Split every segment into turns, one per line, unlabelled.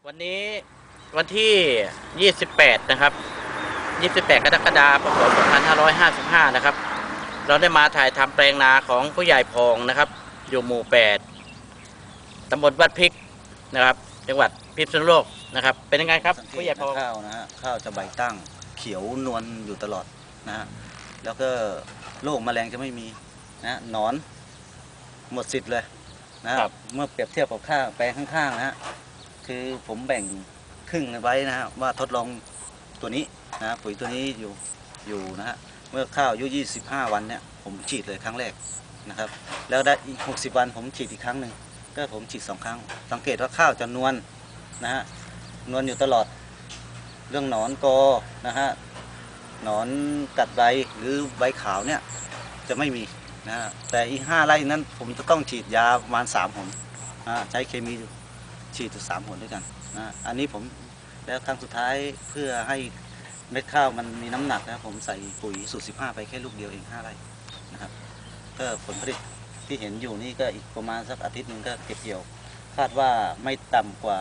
วันนี้วันที่ 28 นะครับ 28 กรกฎาคม พ.ศ. 2555 นะครับ เราได้มาถ่ายทำแปลงนาของผู้ใหญ่พองนะครับ อยู่หมู่ 8 ตำบลวัดพริกนะครับ จังหวัดพิษณุโลกนะครับ เป็นยังไงครับผู้ใหญ่พอง
ข้าวนะฮะข้าวจะใบตั้งเขียวนวลอยู่ตลอดนะฮะแล้วก็โรคแมลงจะไม่มีนะหนอนหมดสิทธิ์เลยนะครับเมื่อเปรียบเทียบกับข้าวแปลงข้างๆนะฮะคือผมแบ่งครึ่งไว้นะฮะว่าทดลองตัวนี้นะปุ๋ยตัวนี้อยู่นะฮะเมื่อข้าวอายุ25 วันเนี่ยผมฉีดเลยครั้งแรกนะครับแล้วได้อีก60 วันผมฉีดอีกครั้งหนึ่งก็ผมฉีด2 ครั้งสังเกตว่าข้าวจะนวลนะฮะนวลอยู่ตลอดเรื่องหนอนกอนะฮะหนอนกัดใบหรือใบขาวเนี่ยจะไม่มีนะฮะแต่อีก5 ไร่นั้นผมจะต้องฉีดยาประมาณ3 หนใช้เคมีฉีดถึง3 หนด้วยกันนะอันนี้ผมแล้วครั้งสุดท้ายเพื่อให้เม็ดข้าวมันมีน้ำหนักนะผมใส่ปุ๋ยสูตร15ไปแค่ลูกเดียวเอง5 ไร่นะครับก็ผลผลิตที่เห็นอยู่นี่ก็อีกประมาณสักอาทิตย์หนึ่งก็เก็บเกี่ยวคาดว่าไม่ต่ำกว่า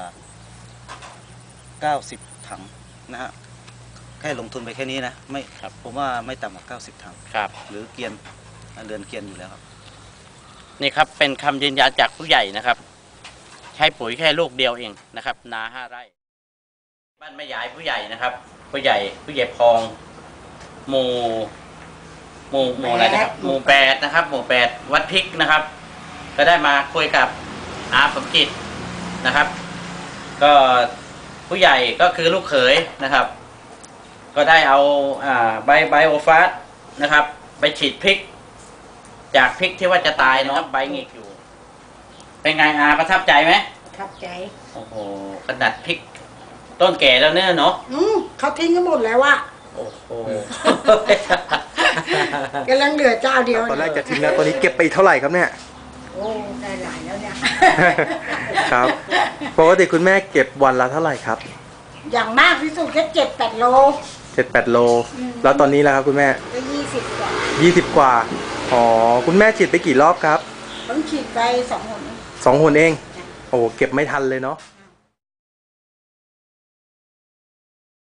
90 ถังนะฮะแค่ลงทุนไปแค่นี้นะไม่ครับผมว่าไม่ต่ำกว่า90 ถัง
ครับ
หรือเกียนเรือนเกียนอยู่แล้วครับ
นี่ครับเป็นคำยืนยันจากผู้ใหญ่นะครับใช้ปุ๋ยแค่ลูกเดียวเองนะครับนา5 ไร่บ้านแม่ยายผู้ใหญ่นะครับผู้ใหญ่พองหมู่อะไรนะครับหมู่ 8นะครับหมู่ 8วัดพริกนะครับก็ได้มาคุยกับอาสมจิตนะครับก็ผู้ใหญ่ก็คือลูกเขยนะครับก็ได้เอาใบโอฟาสนะครับไปฉีดพริกจากพริกที่ว่าจะตายนะครับใบหงิกอยู่เป็นไงประทับใจไหม
ประทับใจ
โอ้โหขนาดพริกต้นแก่แล้วเนอะเนาะ
เขาทิ้งกันหมดแล้วอะ
โอ้โห
กำลังเหลือเจ้าเดียว
ตอนแรกจะทิ้งแล้วตอนนี้เก็บไปเท่าไหร่ครับเนี่ย
โอ้ได้หลายแล้วเนี่ย
ครับปกติคุณแม่เก็บวันละเท่าไหร่ครับ
อย่างมากที่สุดแค่7-8 โล
7-8 โลแล้วตอนนี้ล่ะครับคุณแม่
ก็20 กว่า
20 กว่าอ๋อคุณแม่ฉีดไปกี่รอบครับ
ต้องฉีดไป2 หน
2 หนเองโอ้เก็บไม่ทันเลยเนาะ